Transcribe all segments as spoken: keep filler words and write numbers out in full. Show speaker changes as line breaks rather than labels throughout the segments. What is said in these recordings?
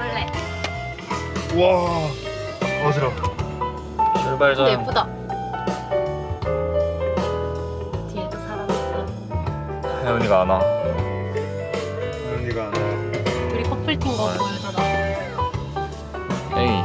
원래.
우와 어지러워. 출발 전.
근데 예쁘다. 뒤에도 사람 있어.
혜연이가 안 와. 혜연이가 안 와.
우리 커플 팀거
아.
보여줘라.
에이.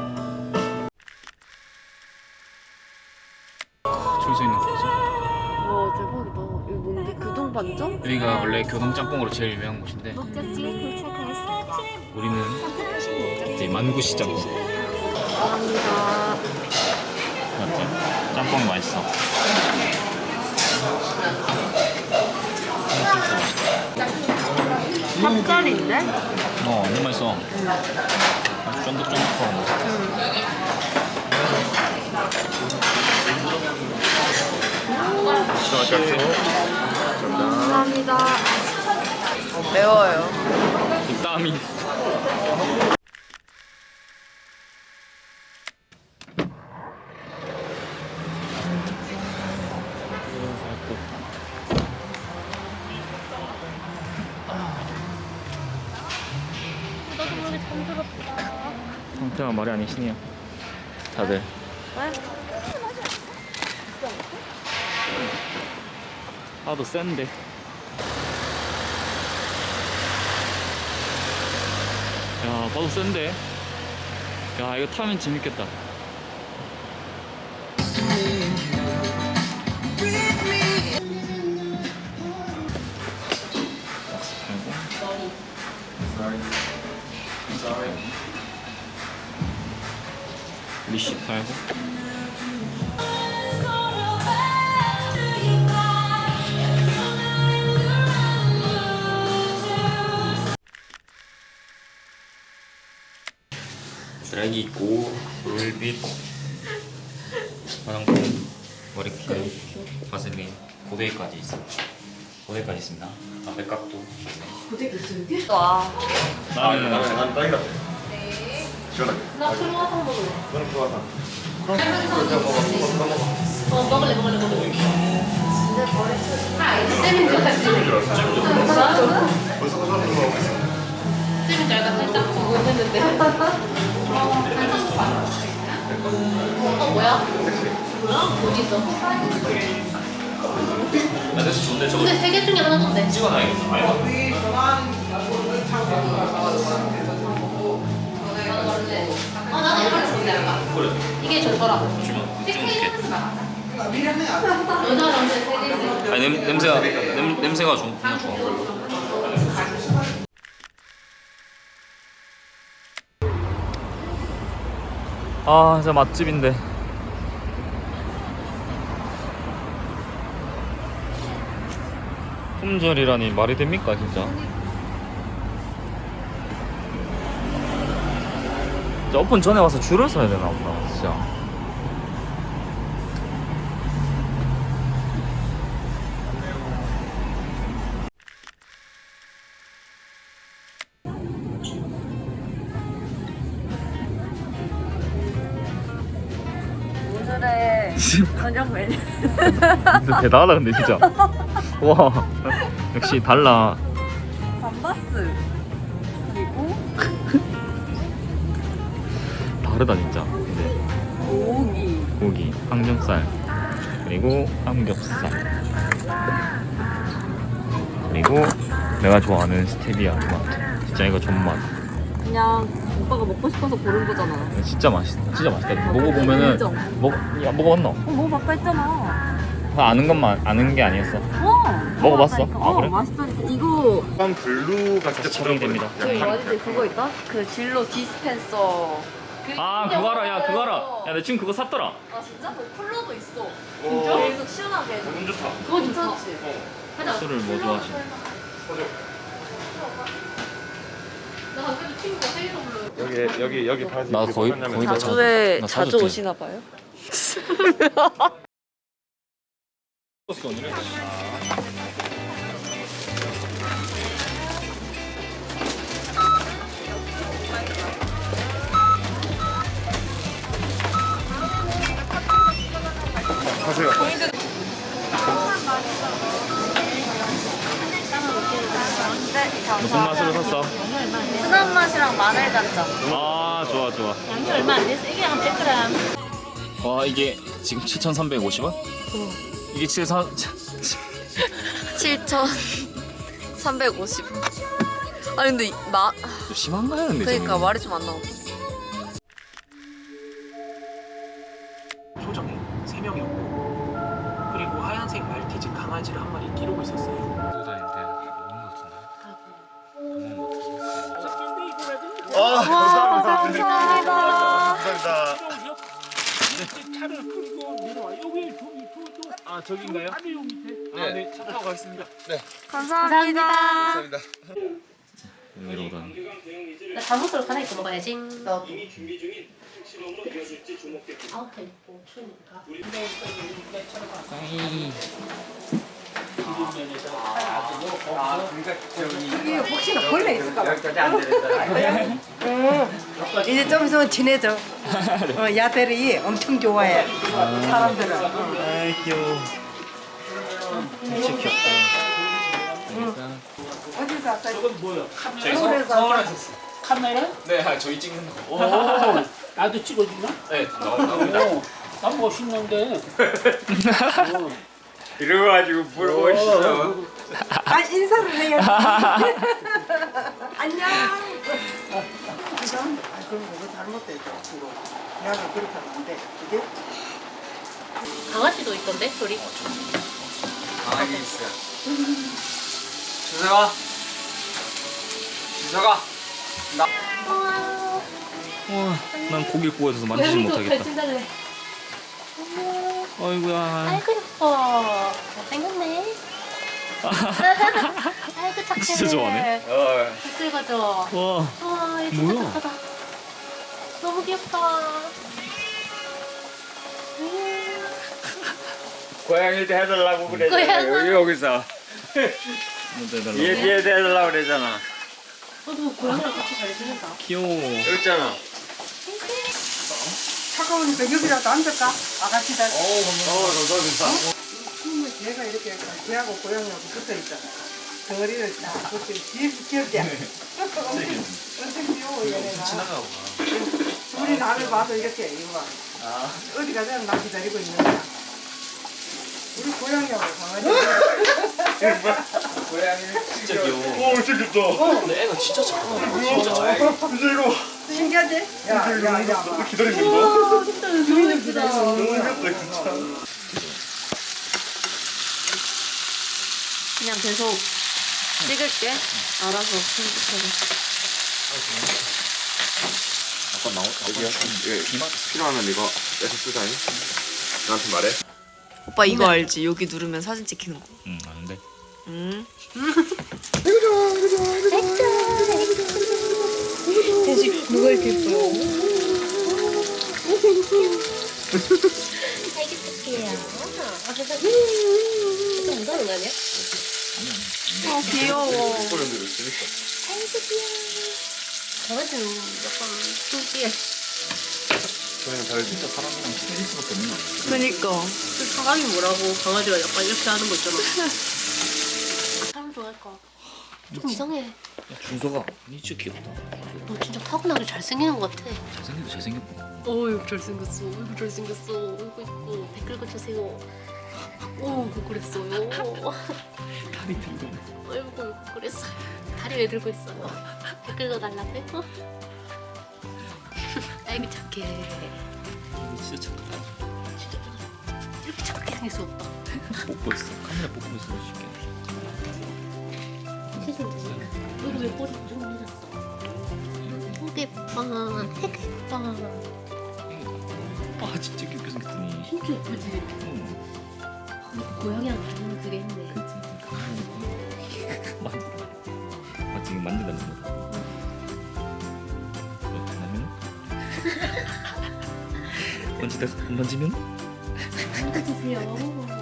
줄 수 있는 곳이지.
와 대박이다. 이거 뭔데? 교동 반점?
여기가 원래 교동짬뽕으로 제일 유명한 곳인데
목적지에 도착하였습니다.
우리는
선택하신 목적지
이제 만구시 짬뽕.
감사합니다.
맞지? 짬뽕이 맛있어.
탑짜리인데?
어, 너무 맛있어. 아주 쫀득쫀득하고.
감사합니다. 어, 매워요.
이 땀이.
나도 모르게 잠들었다.
상태가 말이 아니시네요. 다들. 파도 센데. 야, 파도 센데. 야, 이거 타면 재밌겠다. 박스 팔고. 리시 팔고. 드라이기 있고 롤빛 화장품 머리핀 바슬린 고데기까지 있어. 고데기까지 있습니다. 아, 맥각도
와.
나는
난 딸기 라떼.
네.
시원하게.
나 크로와상 먹을래.
너는 크로와상.
어, 먹을래, 먹을래, 먹을래. 아, 이제 잼인 줄 알았지.
벌써 사는 거 하고 있어.
잼인 줄 알고 살짝 보고 했는데. 어, 뭐야? 뭐야? 어디 있어?
나 됐어. 좋은데 저거
근데 세 개 중에 하나던데.
찍어놔야겠어. 아이고.
아, 나는 이걸 좋은데, 약간.
그래.
이게 좋더라고.
주면 찍어줄게.
여자랑 세 개지.
아니 냄, 냄새가 냄, 냄새가 좀 정말 좋아. 아, 진짜 맛집인데. 품절이라니 말이 됩니까, 진짜? 진짜 오픈 전에 와서 줄을 서야 되나 보다, 진짜.
오늘의 저녁 메뉴.
진짜 대단하다, 근데 진짜. 와, 역시 달라.
감바스. 그리고
다르다, 진짜. 근데
고기.
고기, 항정살, 그리고 삼겹살, 그리고 내가 좋아하는 스테비아 토마토. 진짜 이거 존맛.
그냥 오빠가 먹고 싶어서 고른 거잖아.
진짜 맛있, 진짜 맛있다. 먹어보면은
인정.
먹, 야, 먹어봤노?
어, 먹어봤다 했잖아.
다 아는 것만 아는 게 아니었어.
어.
먹어봤어?
먹어봤다니까.
아, 그래?
어, 맛있다니까. 이거
약간 블루가 진짜
적용이 됩니다.
그 뭐지 그거 있다? 그 진로 디스펜서. 그
아, 그거 알아, 야, 그거 알아. 야, 내 친구 그거 샀더라.
아 진짜? 그 쿨러도 있어.
진짜?
계속 시원하게 해줘.
너무 좋다.
그거 좋다.
괜찮지?
하자.
술을 뭐 좋아하시나?
나 갑자기 친구가 생일 선물로.
여기 여기 여기 바지.
나
이렇게
거의-
하냐면
거의 다
진짜
자주에
나
자주
사줬지.
오시나 봐요?
하세요.
네.
무슨 맛으로 샀어?
순한 맛이랑 마늘 간장.
아 좋아 좋아.
양이 얼마 안 돼서 이게 한 백 그램.
와 이게 지금 칠천삼백오십 원? 이게 칠천
칠천삼백오십 원. 아니 근데 이- 마
좀 심한가요 근데?
그러니까 말이 좀 안 나와.
소정이 세 명이었고 그리고 하얀색 말티즈 강아지를 한 마리 기르고 있었어요.
아,
감사합니다.
감사합니다.
차를 끌고 내려와. 여기 저기 저저
아 저기인가요?
아래요 밑에.
아, 네, 차 타고 가겠습니다.
감사합니다.
감사합니다.
여기로 오다니.
나 잠옷으로 하나 입고 먹어야지. 너. 아웃도 입고 추우니까.
아이.
이게 혹시나 벌레 있을까 봐. 응. 이제 좀 있으면 친해져. 어, 야들이 엄청 좋아해. 사람들은. 응.
아이 귀여워. 진짜 귀엽다.
어디서 왔어요?
저건 뭐야?
저희
서울에서 왔어요.
카메라?
네, 아, 저희 찍는 거.
오, 나도 찍어주나?
네, 나옵니다.
오, 난 멋있는데.
이래가지고 물어보시죠.
아, 인사를 해야지. 안녕. 지금? 아, 그럼 이거 잘못됐죠. 이거. 내가 그렇게 하면 안 돼. 그게?
강아지도 있던데 소리.
강아지 있어요. 주서가. 주서가.
와, 난 고기 구워져서 만지지 못하겠다.
진짜네.
아이고야.
아이고 예뻐. 잘생겼네. 아이고 착해.
진짜 좋아하네.
어,
댓글 가져.
와,
와, 얘
뭐야?
진짜 착하다. 너무 귀엽다. 음.
고양이도 해달라고
고양아.
그랬잖아. 여기서.
먼저 해달라고.
얘 뒤에도 해달라고 그랬잖아.
너도 고양이랑 같이 잘 지낸다.
귀여워.
여기 있잖아.
차가우니까 여기라도 앉을까? 아가씨들.
어, 감사합니다.
얘가 이렇게 걔하고 고양이하고 붙어 있잖아. 덩어리를 딱 붙여. 뒤에서 귀엽지? 엄청 귀여워, 얘네가.
지나가고.
우리 나를 봐도 이렇게, 이거 봐. 어디 가자면 나 기다리고 있는 거야. 우리 고양이하고 강아지.
고양이.
진짜 귀여워.
오, 진짜 귀엽다.
근데 애가 진짜 작아.
진짜 이거
신기하지? 야, 야, 야.
너무 기다리는 거.
와, 진짜 너무 예쁘다.
너무 귀엽다, 진짜.
그냥 계속 찍을게. 알아서 편집해서.
아까 나오.
여기야. 이거 필요하면 이거 빼서 쓰자니. 나한테 말해.
오빠 이거 알지? 여기 누르면 사진 찍히는 거.
응, 아는데.
응.
대식 누가 이렇게 예뻐요?
아이고 착해요. 좀 무서운 거 아니야?
아 귀여워.
소리들을 재밌어.
아이고 귀여워. 강아지는 약간 신기해.
저희는 다르지.
진짜 사람이랑 친해질 수밖에 없는 거 같아.
그니까.
그 사람이 뭐라고 강아지가 약간 이렇게 하는 거 있잖아. 사람 좋아할 거. 좀 이상해.
야, 준서가 니 진짜 귀엽다.
너 진짜 타고나게 잘생기는 것 같아.
잘생기도 잘생겼구나.
어이구 잘생겼어. 어이구 잘생겼어. 어이구 이뻐. 댓글 거주세요. 어이구 그랬어요.
다리 들고.
어이구 그랬어요. 다리 왜 들고 있어요? 댓글 거달라고요? 아이고 착해.
니 진짜 착하다.
진짜 이렇게 착하게 생길 수 없다.
뽑고 있어. 카메라 뽑고 있어. 쉽게.
세상에. 너도 왜 꼬리 좀 내렸어? 되게 예뻐. 되게 예뻐.
아 진짜 귀엽게 생겼더니.
진짜 예쁘지?
응.
고양이랑 닮은 그게 있네.
그치. 만지. 아 지금 만진다는 거다. 어, 만나면? 만지다 만지면?
만져주세요.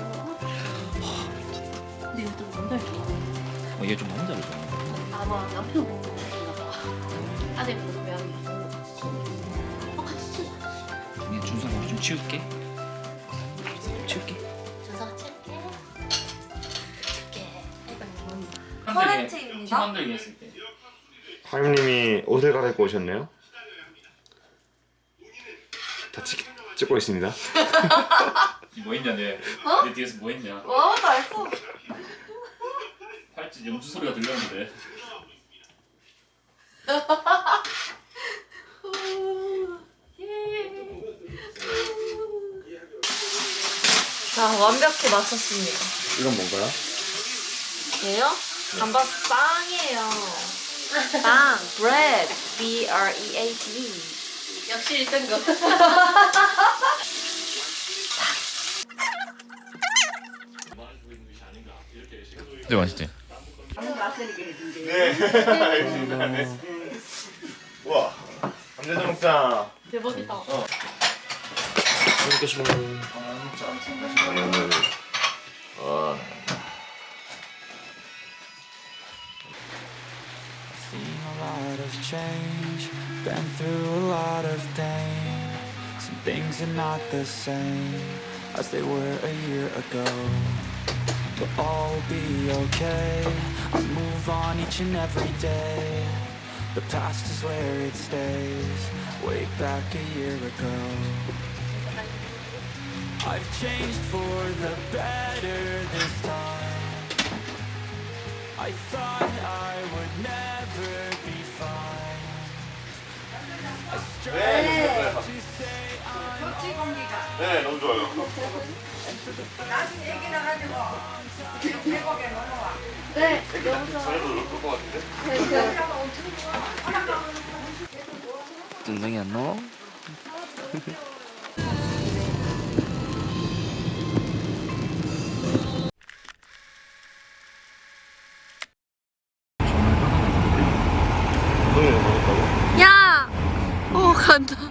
근데 이거 좀 남자를 좋아.
어, 얘 좀 남자를 좋아해.
아마 남편 보고 싶나 봐. 아내 보고 고양이 보고. 어 같이 치자.
그냥 준서가 우리 좀 치울게. 치울게.
준서가 칠게. 칠게. 아이고.
커렌트입니다.
만들기 했을 때.
하임님이 옷을 갈아입고 오셨네요. 다 찍, 찍고 있습니다.
뭐 했냐 내?
어?
내 뒤에서 뭐 했냐?
와, 다 했어.
팔찌 염주 소리가 들렸는데.
자, 완벽히 맞췄습니다.
이건 뭔가요?
얘요? 감바스 빵이에요. 빵, bread, B R E A D.
역시 일 등급.
네 맛있지.
우와, 감자전 먹자.
대박이다.
이렇게 씹어. 아니 오늘 아.
Seen a lot of change, been through a lot of pain. Some things are not the same as they were a year ago. But all will be okay, I move on each and every day. The past is where it stays, way back a year ago. I've changed for the better this time. I thought I would never be fine. I strive to say I'm
네, 너무 좋아요.
나중에 얘기 나가지고 계곡에 넘어와.
네,
저희도 놀것 같은데?
전쟁이 안 나와?
야! 오, 간다.